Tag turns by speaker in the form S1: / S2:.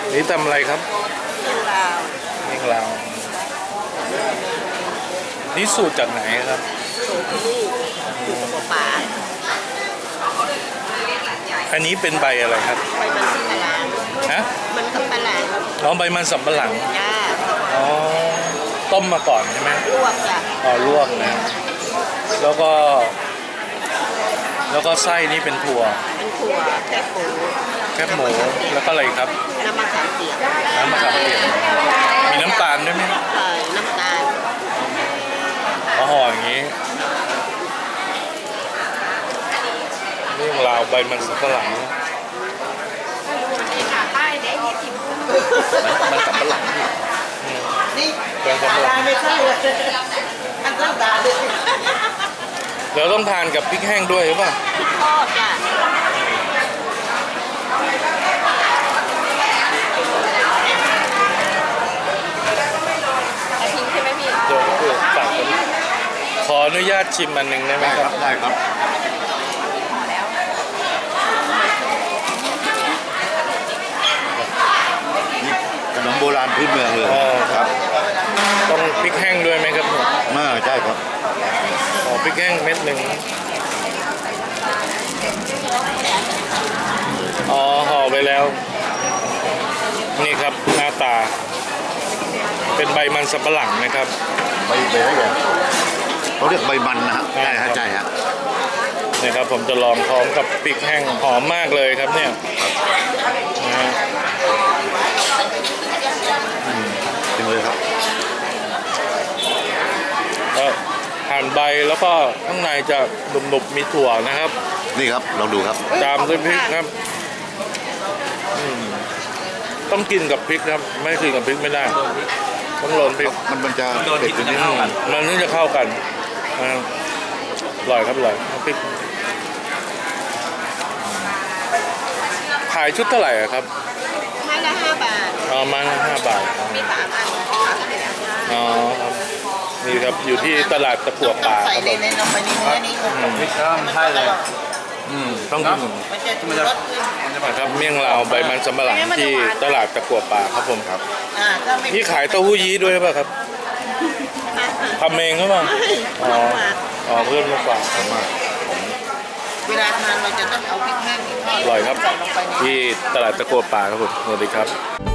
S1: นี่ทำอะไรครับ
S2: เรื่องราว
S1: เมี่ยงลาวนี่สูตรจากไหนครับ
S2: สูตรที่นี่สูตรกับป่า
S1: อันนี้เป็นใบอะไรครับ
S2: ใบมันสำปะหลัง
S1: ฮะ
S2: มันสำปะหลัง
S1: น้องใบมันสำปะหลัง
S2: จ้า
S1: อ๋อต้มมาก่อนใช่ไหม
S2: ลวกจ้ะ
S1: อ๋อลวกนะแล้วก็ไส้นี่เป็นถั่ว
S2: เป็นถั่วแคบหมู
S1: แคบหมูแล้วก็อะไรครับ
S2: น้ำมะขามเปียก
S1: น้ำมะขามเปียกมีน้ำตาลด้วยไหม
S2: น้ำตาล
S1: อ๋อห่ออย่างนี้เมี่ยงลาวใบมันสำปะหลัง
S3: มันสับปะหลังนี่
S2: นี่
S1: ใบมันสำปะหลัง
S2: ไม่ใช่เลยอันน้ำตาลเลย
S1: แล้วต้องทานกับพริกแห้งด้วยหรือเปล่า
S2: ทอดจ้ะทิ้งใช่ไหมพี่
S1: เดี๋ยวตักกันขออนุญาตชิมอันหนึ่งได้ไหม
S3: ได้
S1: ค
S3: ค
S1: รั
S3: รับ บได้ครับนี่ขนมโบราณพื้นเมืองเลย
S1: อ๋อ
S3: ครับ
S1: ต้องพริกแห้งด้วยไหมครับ
S3: ใช่ครับ
S1: อ๋อพริกแห้งเม็ดหนึ่งอ๋อห่อไปแล้ว นี่ครับหน้าตา เป็นใบมันสำปะหลังนะครับ
S3: ใบอะไรเนี่ยเขาเรียกใบมันนะฮะ
S1: ใช่
S3: ใช่
S1: ครั
S3: ฮะ
S1: บ
S3: ใช่ฮะ
S1: นี่ครับผมจะลองพร้อมกับพริกแห้งหอมมากเลยครับเนี่ยนะฮะ
S3: จริงเลยครับ
S1: ก็หั่นใบแล้วก็ข้างในจะหนุบๆมีถั่วนะครับ
S3: นี่ครับลองดูครับ
S1: ตามด้วยพริกครับต้องกินกับพริกครับ ไม่กินกับพริกไม่ได้ต้องโรยพริก
S3: มันจะเผ็ดนิดนึง
S1: มันถึงจะเข้ากันอ่าอร่อยครับอร่อยพริกขายชุดเท่าไหร่อะครับ
S2: ไม้ละ5 บาท
S1: อ๋อมา5 บาท
S2: มี3 อัน
S1: อ๋อครับนี่ครับอยู่ที่ตลาดตะกั่วป่า
S2: ใส่
S1: ครับ
S2: ในลงไปในเนื้อนี้
S3: พริกข้ามใช่เลย
S1: ต้องกิน
S2: มันจะชูรสขึ้น
S1: นะครับเมี่ยงลาวใบมันสำปะหลังที่ตลาดตะกั่วป่าครับผมครับ
S2: ถ้าไม่
S1: นี่ขายเต้าหู้ยี้ด้วยหรือเปล่าครับทำเองหรือเปล่าอ๋ออ๋อเพื่อนมาฝากผมมา
S2: เวลาทานเราจะต้องเอาพริกแห้งที่ทอด
S1: อร่อยครับ
S2: ใส่ลงไปใน
S1: ที่ตลาดตะกั่วป่าครับผมสวัสดีครับ